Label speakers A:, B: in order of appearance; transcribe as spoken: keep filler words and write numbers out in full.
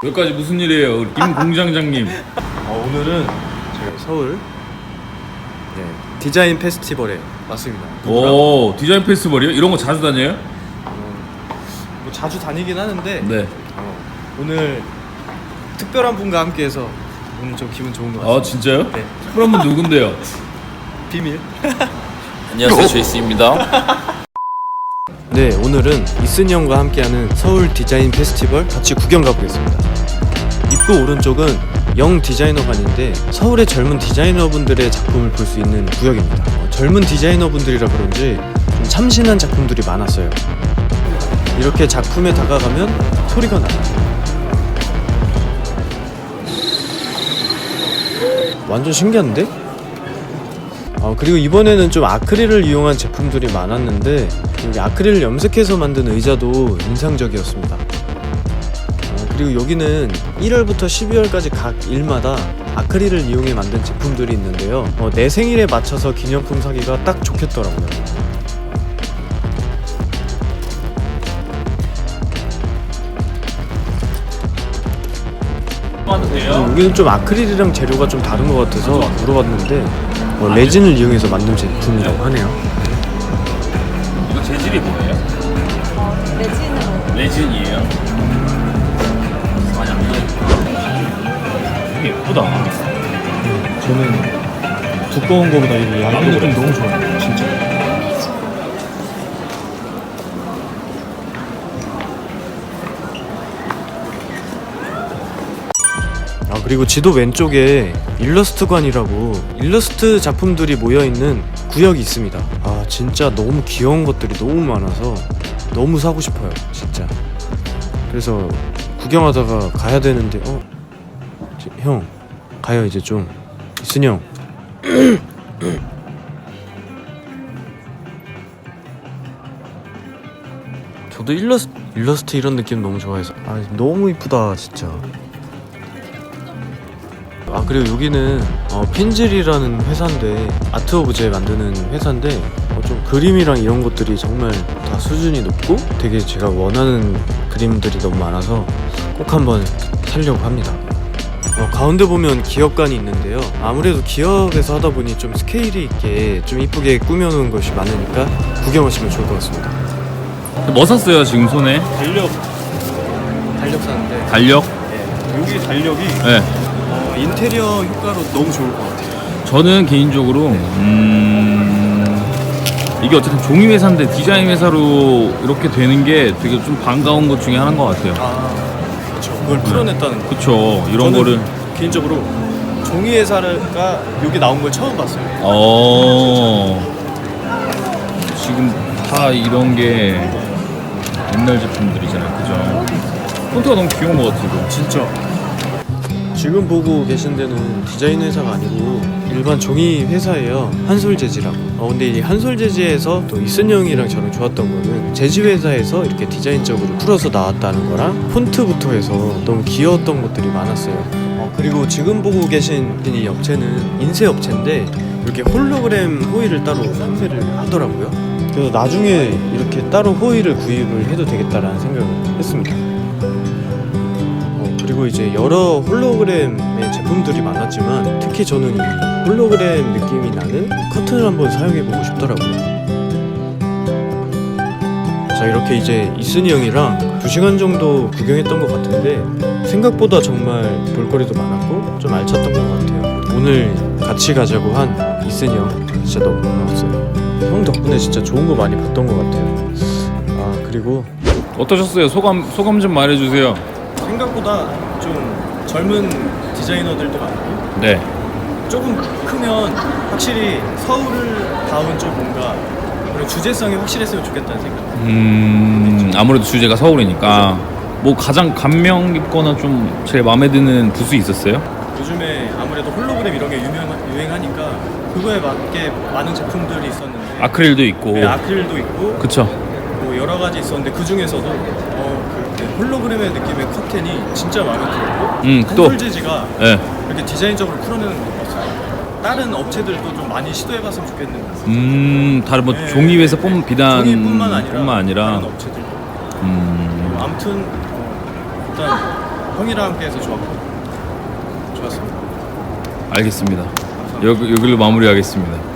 A: 여기까지 무슨 일이에요, 우리 김 공장장님?
B: 어, 오늘은 제가 서울 네, 디자인 페스티벌에 왔습니다.
A: 오, 디자인 페스티벌이요? 이런 거 자주 다녀요?
B: 뭐 자주 다니긴 하는데
A: 네.
B: 어, 오늘 특별한 분과 함께해서 오늘 좀 기분 좋은 것 같습니다.
A: 아, 진짜요?
B: 네.
A: 그럼 분 누군데요?
B: 비밀.
A: 안녕하세요, 제이스입니다.
B: 네, 오늘은 이슨이 형과 함께하는 서울 디자인 페스티벌 같이 구경 가보겠습니다. 입구 오른쪽은 영 디자이너관인데 서울의 젊은 디자이너분들의 작품을 볼 수 있는 구역입니다. 어, 젊은 디자이너분들이라 그런지 좀 참신한 작품들이 많았어요. 이렇게 작품에 다가가면 소리가 나요. 완전 신기한데? 어, 그리고 이번에는 좀 아크릴을 이용한 제품들이 많았는데 여기 아크릴을 염색해서 만든 의자도 인상적이었습니다. 어, 그리고 여기는 일월부터 십이월까지 각 일마다 아크릴을 이용해 만든 제품들이 있는데요. 어, 내 생일에 맞춰서 기념품 사기가 딱 좋겠더라고요. 어, 여기는 좀 아크릴이랑 재료가 좀 다른 것 같아서 물어봤는데 어, 레진을 이용해서 만든 제품이라고 하네요.
A: 이거 재질이 뭐예요?
C: 어, 레진으로.
A: 레진이에요. 많이 안 보여요. 되게 예쁘다.
B: 저는 두꺼운 거보다 이 얇은 느낌 너무 좋아요. 진짜. 아, 그리고 지도 왼쪽에 일러스트관이라고 일러스트 작품들이 모여있는 구역이 있습니다. 아, 진짜 너무 귀여운 것들이 너무 많아서 너무 사고 싶어요, 진짜. 그래서 구경하다가 가야 되는데 어? 저, 형 가요 이제 좀. 이슨이 형. 저도 일러스, 일러스트 이런 느낌 너무 좋아해서 아, 너무 이쁘다 진짜. 아, 그리고 여기는 어, 핀즐이라는 회사인데 아트 오브제 만드는 회사인데 어, 좀 그림이랑 이런 것들이 정말 다 수준이 높고 되게 제가 원하는 그림들이 너무 많아서 꼭 한번 사려고 합니다. 어, 가운데 보면 기업관이 있는데요. 아무래도 기업에서 하다 보니 좀 스케일이 있게 좀 이쁘게 꾸며놓은 것이 많으니까 구경하시면 좋을 것 같습니다.
A: 뭐 샀어요, 지금 손에?
B: 달력 달력 사는데
A: 달력?
B: 네, 여기 달력이
A: 네.
B: 어, 인테리어 효과로 너무 좋을 것 같아요.
A: 저는 개인적으로 음... 이게 어쨌든 종이 회사인데 디자인 회사로 이렇게 되는 게 되게 좀 반가운 것 중에 하나인 것 같아요.
B: 아, 그렇죠. 그걸 풀어냈다는 거.
A: 그쵸. 이런
B: 저는
A: 거를
B: 개인적으로 종이 회사가 여기 나온 걸 처음 봤어요.
A: 어 지금 다 이런 게 옛날 제품들이잖아요, 그죠? 폰트가 너무 귀여운 것 같아요.
B: 진짜. 지금 보고 계신 데는 디자인 회사가 아니고 일반 종이 회사예요. 한솔 재지라고. 어 근데 이 한솔 재지에서 또 이슨 형이랑 저랑 좋았던 거는 재지 회사에서 이렇게 디자인적으로 풀어서 나왔다는 거랑 폰트부터 해서 너무 귀여웠던 것들이 많았어요. 어 그리고 지금 보고 계신 이 업체는 인쇄 업체인데 이렇게 홀로그램 호일을 따로 판매를 하더라고요. 그래서 나중에 이렇게 따로 호일을 구입을 해도 되겠다라는 생각을 했습니다. 그리고 이제 여러 홀로그램의 제품들이 많았지만 특히 저는 이 홀로그램 느낌이 나는 커튼을 한번 사용해보고 싶더라고요. 자, 이렇게 이제 이슨이 형이랑 두 시간 정도 구경했던 것 같은데 생각보다 정말 볼거리도 많았고 좀 알찼던 것 같아요. 오늘 같이 가자고 한 이슨이 형 진짜 너무 고마웠어요. 형 덕분에 진짜 좋은 거 많이 봤던 것 같아요. 아, 그리고
A: 어떠셨어요? 소감 소감 좀 말해주세요.
B: 생각보다 좀 젊은 디자이너들도 많고
A: 네.
B: 조금 크면 확실히 서울을 닿은 좀 뭔가 그런 주제성이 확실했으면 좋겠다는 생각.
A: 음 아무래도 주제가 서울이니까 뭐 가장 감명 깊거나 좀 제일 마음에 드는 부스 있었어요?
B: 요즘에 아무래도 홀로그램 이런 게 유명, 유행하니까 그거에 맞게 많은 제품들이 있었는데
A: 아크릴도 있고.
B: 네, 아크릴도 있고
A: 그쵸.
B: 뭐 여러 가지 있었는데 그 중에서도 어, 그 홀로그램의 느낌의 커튼이 진짜 마음에 들었고
A: 음, 또.
B: 한솔 재지가
A: 네.
B: 이렇게 디자인적으로 풀어내는 것 같아요. 다른 업체들도 좀 많이 시도해봤으면 좋겠는데
A: 음 다른 뭐
B: 네.
A: 종이 회사 뿐 비단
B: 종이뿐만 아니라
A: 뿐만 아니라
B: 다른 업체들도
A: 음
B: 아무튼 어, 일단 형이랑 함께해서 좋았고 좋았습니다.
A: 알겠습니다. 여기, 여기로 마무리하겠습니다.